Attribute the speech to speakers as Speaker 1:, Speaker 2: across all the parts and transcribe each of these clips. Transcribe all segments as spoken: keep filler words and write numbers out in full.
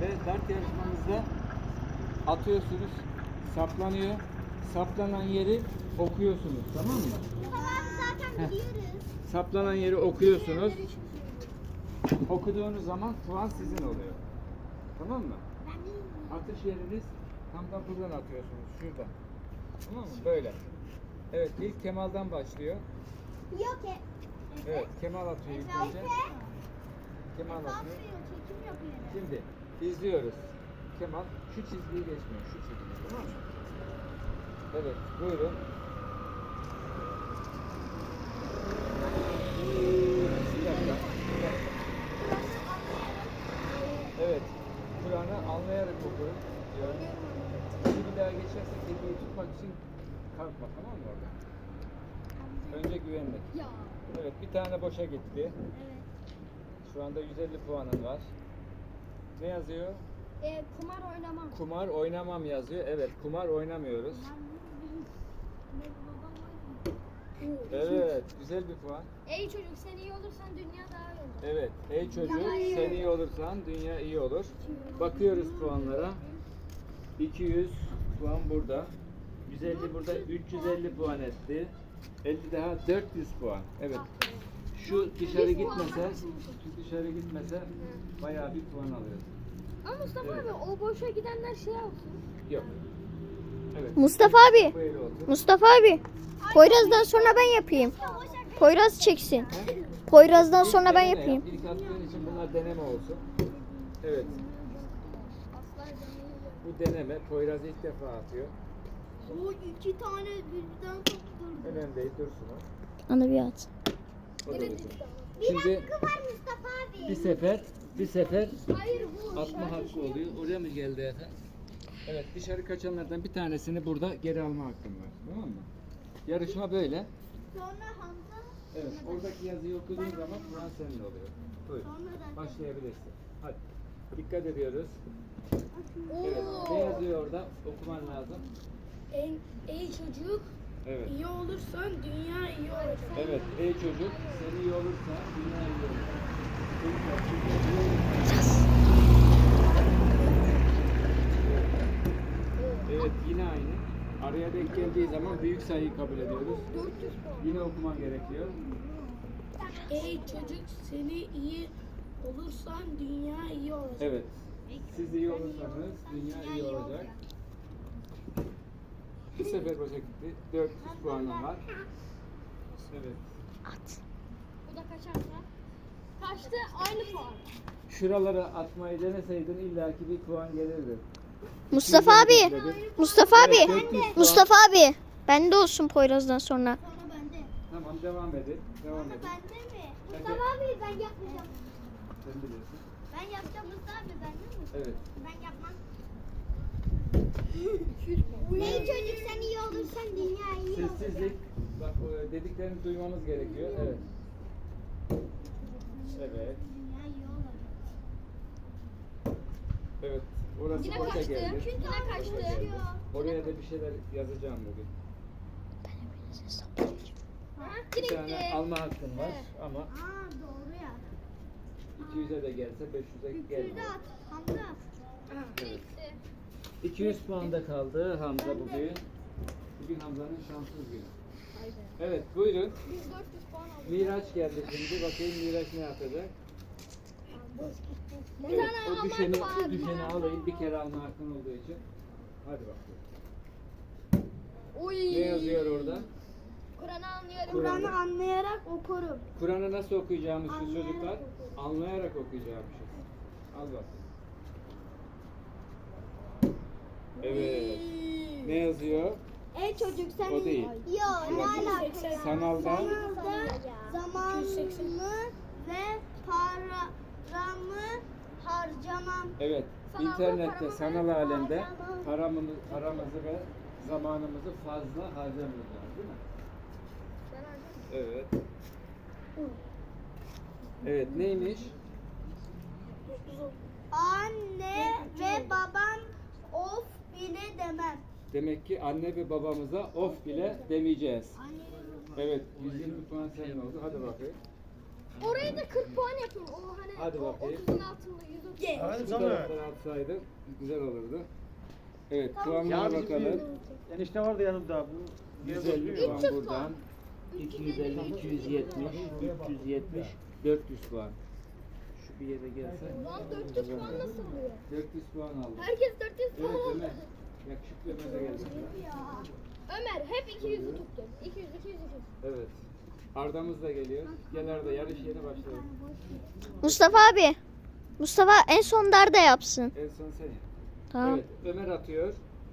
Speaker 1: Ve dart yarışmamızda atıyorsunuz, saplanıyor. Saplanan yeri okuyorsunuz, tamam mı?
Speaker 2: Tamam zaten biliyoruz.
Speaker 1: Saplanan yeri okuyorsunuz. Okuduğunuz zaman puan sizin oluyor. Tamam mı? Atış yeriniz tam da buradan atıyorsunuz, şuradan. Tamam mı? Böyle. Evet, ilk Kemal'dan başlıyor.
Speaker 2: Yok e.
Speaker 1: Evet, Kemal atıyor ilk önce. Kemal atıyor.
Speaker 2: Çekim yapıyor.
Speaker 1: Şimdi izliyoruz. Kemal şu çizgiyi geçmiyor, şu çizgiyi, tamam mı? Evet, buyurun. Bir dakika, bir dakika. Evet, Kur'an'ı anlayarak okuruz diyor. Şimdi bir daha geçersek kelimeyi tutmak için kalkma, tamam mı orada? Önce güvenlik.
Speaker 2: Ya.
Speaker 1: Evet, bir tane boşa gitti.
Speaker 2: Evet.
Speaker 1: Şu anda yüz elli puanın var. Ne yazıyor?
Speaker 2: E, kumar oynamam.
Speaker 1: Kumar oynamam yazıyor. Evet, kumar oynamıyoruz. Evet, güzel bir puan.
Speaker 2: Ey çocuk sen iyi olursan dünya daha iyi olur.
Speaker 1: Evet, ey çocuk
Speaker 2: Dünya iyi
Speaker 1: sen
Speaker 2: olur.
Speaker 1: iyi olursan dünya iyi olur. Bakıyoruz puanlara. iki yüz puan burada. yüz elli burada, üç yüz elli puan etti. elli daha dört yüz puan. Evet. Şu dışarı gitmese, şu dışarı gitmese bayağı bir puan alıyoruz.
Speaker 2: Ama Mustafa
Speaker 1: Evet.
Speaker 2: abi o boşa gidenler şey olsun.
Speaker 1: Yok. Evet.
Speaker 3: Mustafa abi.
Speaker 1: Bu el oldu.
Speaker 3: Mustafa abi. Poyraz'dan sonra ben yapayım. Poyraz çeksin. Poyraz'dan sonra ben
Speaker 1: Deneme
Speaker 3: yapayım.
Speaker 1: yap. İlk attığın için bunlar deneme olsun. Evet. Bu deneme. Poyraz ilk defa atıyor.
Speaker 2: O iki tane birden tutturdu.
Speaker 1: Önemli değil, dursun o.
Speaker 3: Ana bir at.
Speaker 1: O da dursun.
Speaker 2: Bir
Speaker 1: Şimdi
Speaker 2: hakkı var Mustafa abi.
Speaker 1: bir sefer, bir sefer
Speaker 2: Hayır bu.
Speaker 1: atma hakkı oluyor. Oraya mı geldi efendim? Evet, dışarı kaçanlardan bir tanesini burada geri alma hakkın var. Tamam mı? Yarışma böyle.
Speaker 2: Sonra Hamza.
Speaker 1: Evet, oradaki yazıyı okuduğun zaman Kur'an senin oluyor. Buyur.
Speaker 2: Sonra da.
Speaker 1: Başlayabilirsin. Hadi. Dikkat ediyoruz. Evet. Ne yazıyor orada? Okuman lazım.
Speaker 4: Ey, ey çocuk,
Speaker 1: Evet.
Speaker 4: iyi olursan dünya iyi olacak.
Speaker 1: Evet. Ey çocuk, sen iyi olursa dünya iyi olur. Evet, yine aynı. Araya denk geldiği zaman büyük sayıyı kabul ediyoruz. Yine okuman gerekiyor.
Speaker 4: Ey çocuk, seni iyi olursan dünya iyi olacak.
Speaker 1: Evet. Siz iyi olursanız dünya iyi olacak. Bir sefer boşa gitti. dört yüz puanım var. Evet.
Speaker 2: Bu da kaçarsa. Kaçtı aynı puan.
Speaker 1: Şuralara atmayı deneseydin illaki bir puan gelirdi.
Speaker 3: Mustafa abi. Mustafa
Speaker 1: Evet,
Speaker 3: abi.
Speaker 1: dört yüz puan.
Speaker 3: Mustafa abi. Bende olsun Poyraz'dan sonra.
Speaker 2: Sonra bende.
Speaker 1: Tamam, devam edin. Devam edin.
Speaker 2: Bende mi?
Speaker 1: Bende.
Speaker 2: Mustafa abi ben yapmayacağım.
Speaker 1: Sen biliyorsun.
Speaker 2: Ben yapacağım Mustafa abi bende mi?
Speaker 1: Evet.
Speaker 2: Ben yapmam. Ey çocuk sen iyi olursan dünya iyi olacak.
Speaker 1: Sessizlik. Bak o dediklerini duymamız gerekiyor. Evet. Evet.
Speaker 2: Dünya iyi olacak.
Speaker 1: Evet. Orası
Speaker 2: Yine
Speaker 1: boşa
Speaker 2: kaçtı.
Speaker 1: geldi.
Speaker 2: Yine kaçtı.
Speaker 1: Boşa geldi. Oraya da bir şeyler yazacağım bugün. Bir
Speaker 2: Direkti.
Speaker 1: tane alma hakkın var ama
Speaker 2: Aa doğru ya.
Speaker 1: iki yüze de gelse beş yüze
Speaker 2: Yüzde
Speaker 1: gelmiyor.
Speaker 2: at. Hamza.
Speaker 1: Evet. iki yüz puanda kaldı Hamza bugün. Bugün Hamza'nın şanssız günü. Evet, buyurun.
Speaker 2: Biz dört yüz puan aldık.
Speaker 1: Miraç geldi şimdi. Bakayım Miraç ne yapacak?
Speaker 2: Bir
Speaker 1: Evet,
Speaker 2: tane
Speaker 1: o düşeni,
Speaker 2: almak
Speaker 1: o
Speaker 2: var.
Speaker 1: düşeni alayım. Bir kere alma hakkın olduğu için. Hadi bakalım.
Speaker 2: Oy.
Speaker 1: Ne yazıyor orada?
Speaker 2: Kur'an'ı anlıyorum.
Speaker 4: Kur'an'ı anlayarak okurum.
Speaker 1: Kur'an'ı nasıl okuyacağımışız çocuklar? Anlayarak okuyacağımışız. Al bakalım. Evet. Ne yazıyor?
Speaker 2: Ey çocuk sen
Speaker 1: O değil.
Speaker 2: Yo ne alakası?
Speaker 1: Sanalda
Speaker 2: Zamanımı ve paramı harcamam.
Speaker 1: evet,
Speaker 2: Sanalda
Speaker 1: internette,
Speaker 2: paramı
Speaker 1: sanal
Speaker 2: ve
Speaker 1: alemde
Speaker 2: harcamam.
Speaker 1: paramızı, paramızı ve zamanımızı fazla harcamayacağız, değil mi? Evet. Evet, neymiş?
Speaker 2: Anne ve babam of bile demem.
Speaker 1: Demek ki anne ve babamıza of bile demeyeceğiz. Evet, yüz yirmi puan senin oldu. Hadi bakayım.
Speaker 2: Orayı da kırk puan yapın. O hani
Speaker 1: Hadi
Speaker 2: o
Speaker 1: bakayım.
Speaker 2: otuzun altında yüz otuz.
Speaker 5: Hadi
Speaker 1: Bu
Speaker 5: Samet.
Speaker 1: taraftan atsaydın güzel olurdu. Evet,
Speaker 5: Ya
Speaker 1: puanlara
Speaker 5: bizim
Speaker 1: bakalım.
Speaker 5: bir enişte vardı yanımda. Bu
Speaker 1: yüz elli puan buradan. iki yüz elli, iki yüz yetmiş, üç yüz yetmiş, dört yüz puan. Şu bir yere gelse.
Speaker 2: Lan dört yüz puan nasıl oluyor?
Speaker 1: dört yüz puan aldı.
Speaker 2: Herkes dört yüz puan
Speaker 1: Evet
Speaker 2: aldı.
Speaker 1: Ömer. Yakışıklı Ömer de geldi.
Speaker 2: Ömer hep iki yüzü tuttu. iki yüz, iki yüz, iki yüz.
Speaker 1: Evet. Arda'mız da geliyor. Gel Arda, yarış yeni başlıyor.
Speaker 3: Mustafa abi. Mustafa en son darda yapsın.
Speaker 1: En son sen yap.
Speaker 3: Tamam.
Speaker 1: Evet, Ömer atıyor.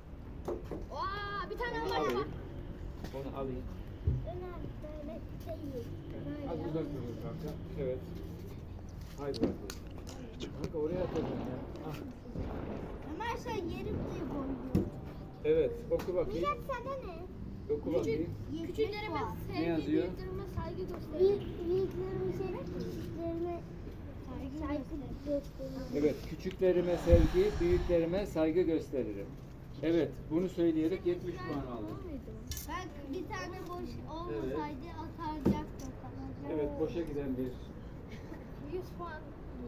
Speaker 2: Aa, bir tane
Speaker 1: Onu
Speaker 2: Ömer
Speaker 1: alayım.
Speaker 2: var.
Speaker 1: Onu alayım.
Speaker 2: Ömer böyle değil.
Speaker 1: Az uzak durun kanka. Evet. Haydi bakalım. Kanka oraya atacağım ya. Ah.
Speaker 2: Ömer sen yerimde koydun.
Speaker 1: Evet, oku bakayım.
Speaker 2: Sana ne?
Speaker 1: Oku bakayım.
Speaker 2: Küçüklerime
Speaker 1: Ne
Speaker 2: sevgi,
Speaker 1: yazıyor?
Speaker 2: büyüklerime saygı gösterin. Büyüklerime sevgi, küçüklerime saygı gösterin.
Speaker 1: Evet, küçüklerime sevgi, büyüklerime saygı gösteririm. Evet, bunu söyleyerek yetmiş puan aldım.
Speaker 2: Ben bir tane boş
Speaker 1: Evet.
Speaker 2: olmasaydı atacaktım.
Speaker 1: Evet, boşa giden bir.
Speaker 2: yüz puan.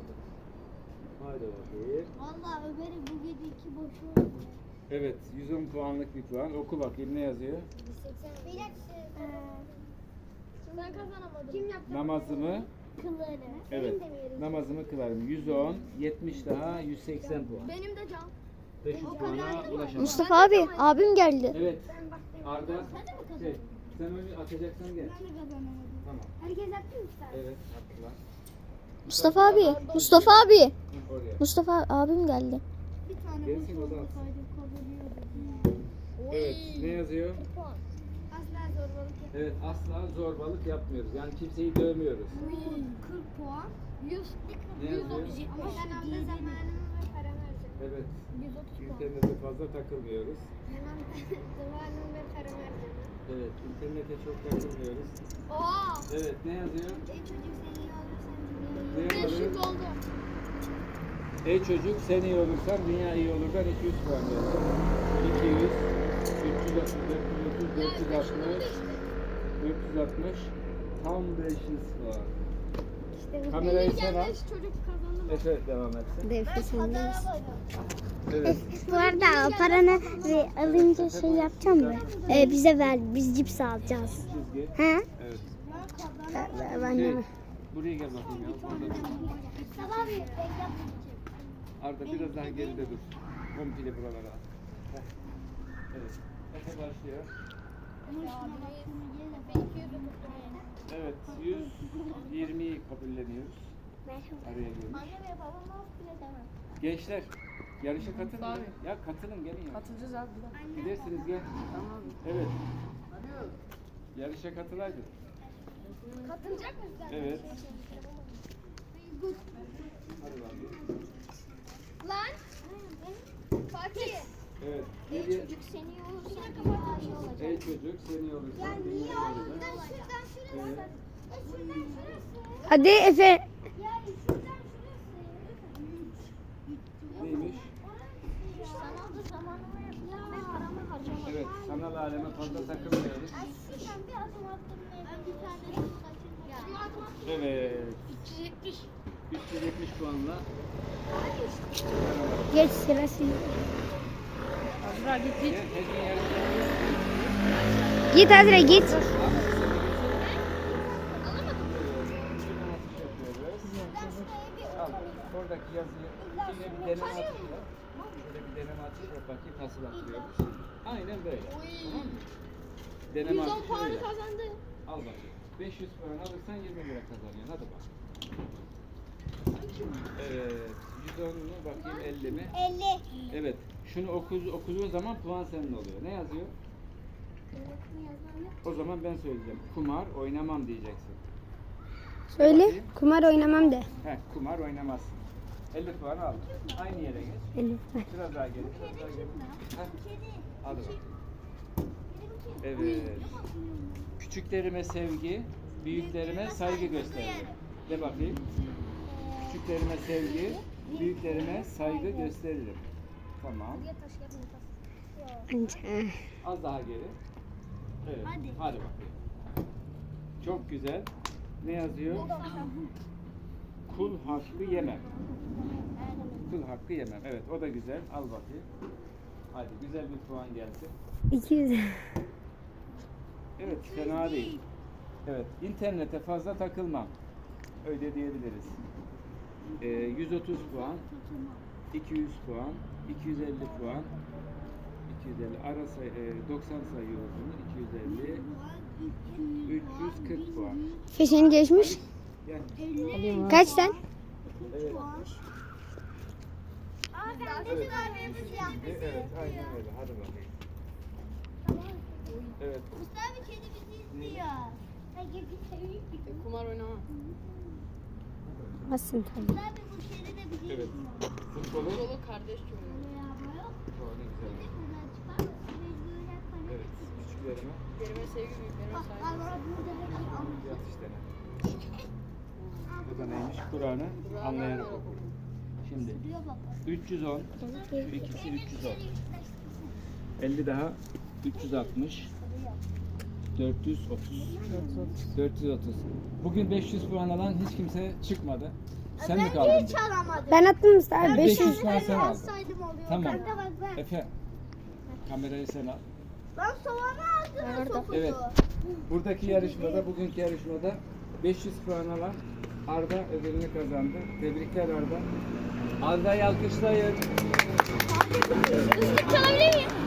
Speaker 1: Haydi bakayım.
Speaker 2: Valla Ömer'in bu gece iki boşu oldu.
Speaker 1: Evet, yüz on puanlık bir puan. Oku bakayım ne yazıyor?
Speaker 2: Bir dakika. Ben kazanamadım. Kim yaptı?
Speaker 1: Namazımı,
Speaker 2: Kılları.
Speaker 1: evet, namazımı kılarım. yüz on, yetmiş daha yüz seksen puan.
Speaker 2: Benim de can.
Speaker 1: beş yüz puana ulaşamam.
Speaker 3: Mustafa abi abim geldi.
Speaker 1: Evet, Arda, şey, sen onu atacaksan gel.
Speaker 2: Ben de kazanamadım.
Speaker 1: Tamam,
Speaker 2: Herkes attı mı sen?
Speaker 1: evet, attılar.
Speaker 3: Mustafa abi. Mustafa abi.
Speaker 1: Hı, oraya.
Speaker 3: Mustafa abim geldi.
Speaker 2: Bir tane
Speaker 1: Gelsin
Speaker 2: boş
Speaker 1: o da.
Speaker 2: olmasaydı kazanıyordum.
Speaker 1: Evet, ne yazıyor?
Speaker 2: Puan. Asla zorbalık yapmıyorum.
Speaker 1: Evet, asla zorbalık yapmıyoruz. Yani kimseyi dövmüyoruz.
Speaker 2: kırk puan. yüz,
Speaker 1: Ne
Speaker 2: yüz
Speaker 1: yazıyor?
Speaker 2: otuz. Ama ben anda zamanımı ve paramı harcadım.
Speaker 1: Evet,
Speaker 2: yüz otuz puan.
Speaker 1: internete fazla takılmıyoruz.
Speaker 2: Ben anda zamanımı ve paramı harcadım.
Speaker 1: Evet, internete çok takılmıyoruz.
Speaker 2: Oha!
Speaker 1: Evet, ne yazıyor?
Speaker 2: Ey çocuk seni iyi olursan
Speaker 1: Ne
Speaker 2: dünyayı
Speaker 1: yazıyor?
Speaker 2: beş yüz oldu.
Speaker 1: Ey çocuk sen iyi olursan dünya iyi olur. Ben iki yüz puan verdim. iki yüz, üç yüz otuz, dört yüz otuz, dört yüz altmış, dört yüz altmış, tam beş yüz puan.
Speaker 2: İşte bu.
Speaker 1: Kamerayı
Speaker 2: Benim
Speaker 1: sen al.
Speaker 2: gelmiş çocuk kazandı.
Speaker 1: Efe devam etsin. Evet.
Speaker 6: Bu arada paranı ve alınca şey yapacağım mı? Ee, bize ver, biz cips alacağız.
Speaker 1: Çizgi.
Speaker 6: He?
Speaker 1: Evet.
Speaker 6: Ben
Speaker 1: Şey,
Speaker 6: de.
Speaker 1: buraya gel bakayım ya. Burada dur.
Speaker 2: Sabah bir
Speaker 1: Arda biraz daha geride dur. Komple buralara al. Heh. Evet. Efe başlıyor. Evet. yüz yirmiyi kabulleniyoruz. Araya girmiş.
Speaker 2: Anne ve babam of bile demem.
Speaker 1: Gençler yarışa katılın. Ya katılın gelin ya.
Speaker 7: Katılacağız abi.
Speaker 1: Gidersiniz gel. Tamam. Evet. Yarışa katılaydın.
Speaker 2: Katılacak mısın?
Speaker 1: Evet. Hadi bakayım.
Speaker 2: Lan! Fatih!
Speaker 1: Evet.
Speaker 2: Ey
Speaker 1: Geriye-
Speaker 2: çocuk seni iyi olursan dünya iyi olacak.
Speaker 1: Ey çocuk sen iyi olursan
Speaker 2: Ya
Speaker 1: dünya
Speaker 2: niye
Speaker 1: iyi
Speaker 2: oğlum?
Speaker 1: olacak.
Speaker 2: Ben şuradan şurası.
Speaker 1: Evet.
Speaker 2: Ya şuradan şurası.
Speaker 6: Hadi Efe.
Speaker 2: Yani şuradan şurası.
Speaker 1: Neymiş?
Speaker 2: Sanal da zamanımı yapacağım ve paramı harcamadım.
Speaker 1: Evet. Sanal aleme fazla takılmıyoruz.
Speaker 2: Ay şuradan bir adım attım. Ben bir tane de kaçırdım.
Speaker 1: Evet.
Speaker 2: üç yüz yetmiş.
Speaker 1: üç yüz yetmiş puanla.
Speaker 6: Geç sırası.
Speaker 7: Azra git git.
Speaker 1: Gel, her gün yarışa.
Speaker 6: Git Azra git.
Speaker 1: Şuradan atış yapıyoruz. Al. Oradaki yazıyı. Yine bir deneme atışı yap. Şöyle bir deneme atışı yap. Bakayım nasıl atıyormuş. Aynen böyle. Tamam mı? Deneme
Speaker 2: yüz on
Speaker 1: atışı
Speaker 2: puanı
Speaker 1: böyle.
Speaker 2: kazandı.
Speaker 1: Al bakayım. beş yüz puan alırsan yirmi lira kazanıyorsun. Hadi bak. Evet. yüz on mu bakayım elli mi?
Speaker 2: elli.
Speaker 1: Evet. Şunu oku, okuduğun zaman puan senin oluyor. Ne yazıyor? O zaman ben söyleyeceğim. Kumar oynamam diyeceksin.
Speaker 6: Söyle.
Speaker 1: Bakayım.
Speaker 6: Kumar oynamam de.
Speaker 1: Heh, kumar oynamazsın. elli puan al. Aynı yere geç.
Speaker 6: Elif.
Speaker 1: Biraz daha geri, biraz daha geri. Heh. Hadi bak. Evet. Küçüklerime sevgi, büyüklerime saygı gösteririm. De bakayım. Küçüklerime sevgi, büyüklerime saygı gösteririm. Tamam. Az daha geri. Evet. Hadi. Hadi bakayım. Çok güzel. Ne yazıyor? Kul hakkı yemem. Kul hakkı yemem. Evet, o da güzel. Al bakayım. Hadi güzel bir puan gelsin.
Speaker 6: iki yüz.
Speaker 1: Evet, fena değil. Evet, internete fazla takılmam. Öyle diyebiliriz. Ee, yüz otuz puan, iki yüz puan, iki yüz elli puan, iki yüz elli ara say e, doksan sayıyoruz bunu. iki yüz elli, üç yüz kırk puan.
Speaker 6: Fişini geçmiş.
Speaker 1: Yani,
Speaker 6: Kaçtan?
Speaker 1: evet.
Speaker 2: Aa ben de kahvemiz yaptık.
Speaker 1: E, evet, aynen öyle. Hadi bakayım. Evet.
Speaker 2: Mustafa kedi bizi izliyor.
Speaker 7: Kumar oynama.
Speaker 6: Basın tabii.
Speaker 2: Mustafa bu kedi de bizi
Speaker 1: Evet.
Speaker 2: izliyor.
Speaker 1: Futbolu.
Speaker 7: Futbolu kardeş oynuyor.
Speaker 1: Oh, ne güzel. Evet, küçüklerime
Speaker 7: Berime sevgi büyüklerime saygı.
Speaker 1: yat işte. Bu da neymiş? Kur'an'ı anlayarak oku. Şimdi üç yüz on, şu ikisi üç yüz on. elli daha üç yüz altmış. dört yüz otuz. dört yüz otuz. Bugün beş yüz puan alan hiç kimse çıkmadı. Sen mi kaldın?
Speaker 2: Hiç alamadım.
Speaker 6: Ben attım Mustafa.
Speaker 1: beş
Speaker 6: beş yüz.
Speaker 1: yüz puan sen aldın.
Speaker 2: Alsaydım oluyor.
Speaker 1: Tamam.
Speaker 2: Kanka bak ben.
Speaker 1: Efe, kamerayı sen al.
Speaker 2: Ben soğanı aldım topuzu.
Speaker 1: Evet. Buradaki yarışmada, bugünkü yarışmada beş yüz puan alan Arda ödülünü kazandı. Tebrikler Arda. Arda'yı alkışlayın.
Speaker 2: Çalabilir miyim?